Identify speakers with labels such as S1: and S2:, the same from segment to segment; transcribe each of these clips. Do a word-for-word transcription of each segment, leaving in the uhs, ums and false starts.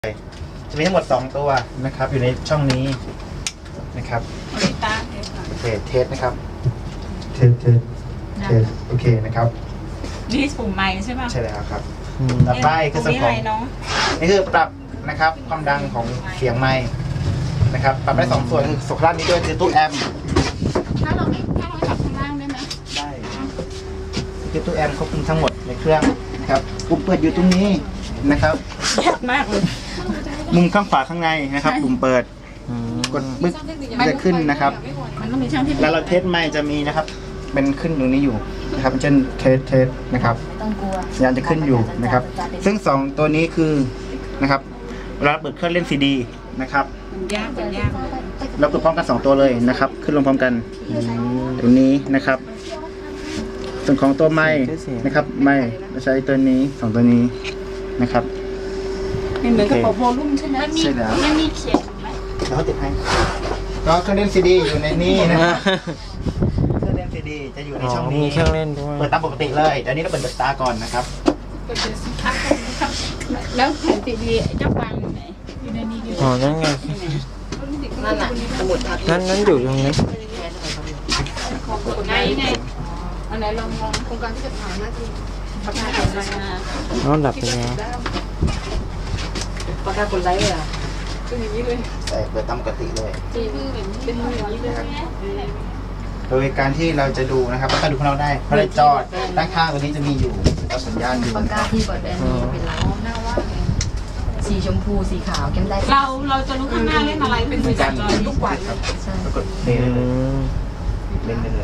S1: จะมีทั้งหมดสองตัวนะครับอยู่ในช่องนี้นะครับโอเคเทสนะครับเทสเทสเทสโอเคนะครับ
S2: นี่ปุ่มไม้ใช่ป่ะ
S1: ใช่แล้วครับต่อไปคือส่วนของนี่คือปรับนะครับความดังของเสียงไมค์นะครับปรับได้สองส่วนคือส่วนล่างนี้ด้วยคือตู้แอมป์
S2: ถ้าเราไม่ถ้าเราปรับข้างล่างได้ไหม
S1: ได้คือตู้แอมป์ควบคุมทั้งหมดในเครื่องนะครับปุ่มเปิดอยู่ตรงนี้นะครับ
S2: ยากมากเลย
S1: มุมข้างขวาข้างในนะครับปุ่มเปิดกดปึ๊กจะขึ้นนะครับ
S2: มันต้องมีช่างที่
S1: แล้วเราเทสไมค์จะมีนะครับเป็นขึ้นตรงนี้อยู่นะครับเช่นเทสเทสนะครับสัญญาณจะขึ้นอยู่นะครับซึ่งสองตัวนี้คือนะครับเวลาเปิดเครื่องเล่นซีดีนะครับ
S2: มันยากมันยาก
S1: เราเปิดพร้อมกันสองตัวเลยนะครับขึ้นลงพร้อมกันตรงนี้นะครับส่วนของตัวไมค์นะครับไมค์เราใช้ตัวนี้สองตัวนี้นะครับ
S2: เหมือนกับปรับโวลูมใช่ไหม
S1: ใช่แล้ว
S2: มันมีเขียนไหม
S1: แล้วเขาติดให้ก็เครื่องเล่นซีดีอยู่ในนี้นะครับเครื่องเล่นซีดีจะอยู่ในช่องนี้
S3: เครื่องเล่นด้วย
S1: เปิดตามปกติเลยเดี๋ยวนี้เราเปิดเดอะสตาร์ก่อนนะครับ
S2: แล้วแผ่นซีดีเจ้าวางอยู่ไหนอยู่ในนี้อยู่
S3: อ๋อนั่นไง
S2: นั่นน่ะสมุดทับ
S3: นั่นนั่นอยู่ตรงนี้
S2: ไงไงอันไหนลองมองโครงการที่จะผ่านหน้าที่ประกาศผลรายงาน
S3: น้องดับไปแล้ว
S2: ประกาศผลไลฟ์เลยอ่ะเป็นอย่างนี้เลย
S1: ใส่เปิดตามปกติเลย
S2: เป็นเป็นอย่างนี้เลย
S1: โดยการที่เราจะดูนะครับก็ดูของเราได้เพราะในจอด้านข้างตัวนี้จะมีอยู่เอาสัญญาณอยู่
S4: ปากกาที่เปิดแบรนด์นี้เป็นร้านหน้าว่างสีชมพูสีขาวเข้มได้
S2: เราเราจะรู้ข้างหน้าเล่นอะไรเป็นสีจอทุกวัน
S4: ใช่
S1: กดเพลย์เลยเล่นได้เลย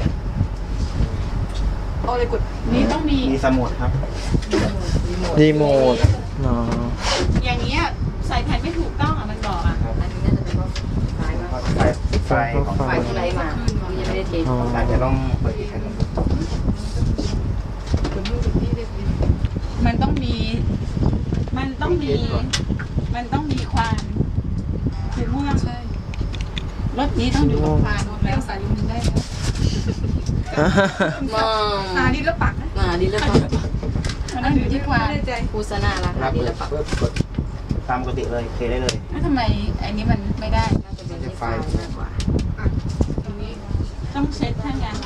S2: เอาเลยกดนี้ต้องมี
S1: มีสมุดครับ
S3: รีโมทอ๋อ
S2: อย่างเงี้ยใส่แผ่นไม่ถูกต้องอ่ะมันบอกอ่ะ
S4: อันนี้น่าจะเป็นว่าไฟมา
S1: ไฟไฟของ
S4: ไฟที่ไรมายังไม่ได้เทส
S1: อาจจะต้องเปิดอีกครั้งนึง
S2: มันต้องมีมันต้องมีมันต้องมีความคือม่วงใช่รถนี้ต้องอยู่กับควานแล้วสายลุงได้แล้ว
S4: มอง
S2: หาดีแล้วปักนะ
S4: มาดีแล้วปัก
S2: มันต้องอยู่ที่ควาน
S4: คูสนาละดีแล้วปัก
S1: กดตามปกติเลยเคได้เลย
S2: แล้วทำไมไอ้นี้มันไม่ได้
S4: น่าจะเป็นไฟมากกว่า
S2: ตรงนี้ต้องเช็ดท่างาน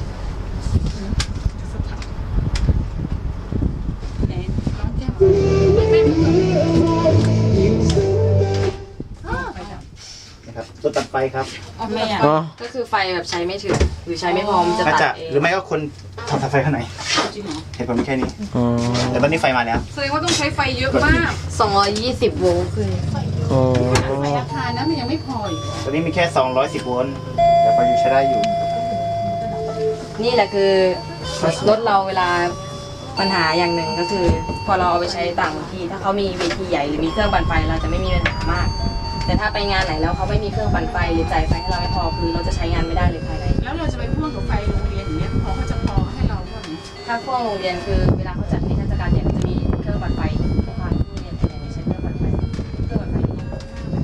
S1: นะครับตัวตัดไฟครับ
S2: อ๋อไม่อ่ะ
S4: ก็คือไฟแบบใช้ไม่ถึงหรือใช้ไม่พอมันจะตัดเอง
S1: หรือไม่ก็คนทำตัดไฟข้างในเหตุผลไม่แค่นี้แต่ตอนนี้ไฟมาแล้ว
S2: แสดงว่าต้องใช้ไฟเยอะมาก
S4: สองร้อยยี่สิบโวลต์คือ
S3: โอ้
S2: ไฟราคานั้นมันยังไม่พออีก
S1: ตอนนี้มีแค่สองร้อยสิบโวลต์แต่ไฟอยู่ใช้ได้อยู่
S4: นี่แหละคือรถเราเวลาปัญหาอย่างหนึ่งก็คือพอเราเอาไปใช้ต่างที่ถ้าเขามีเวทีใหญ่หรือมีเครื่องปั่นไฟเราจะไม่มีปัญหามากแต่ถ้าไปงานไหนแล้วเขาไม่มีเครื่องปั่นไฟหรือจ่ายไฟให้เราไม่พอคือเราจะใช้งานไม่ได้เลยภายใน
S2: แล้วเราจะไปพ่วงกับไฟโรงเรียนอย่างเงี้ยพอเขาจะพอให้เราบ้าง
S4: ถ้าพ่วงโรงเรียนคือเวลาเขาจัดนิทรรศการเนี่ยจะมีเครื่องปั่นไฟทุกครั้งที่เรียนแต่ไม่ใช้เครื่องปั่นไฟเครื่องปั่นไฟ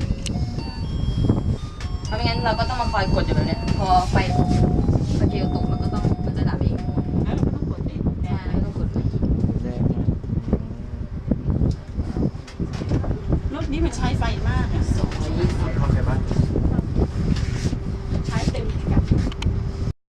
S4: เพราะไม่งั้นเราก็ต้องมาคอยกดอยู่แบบนี้พอไฟสเกลตก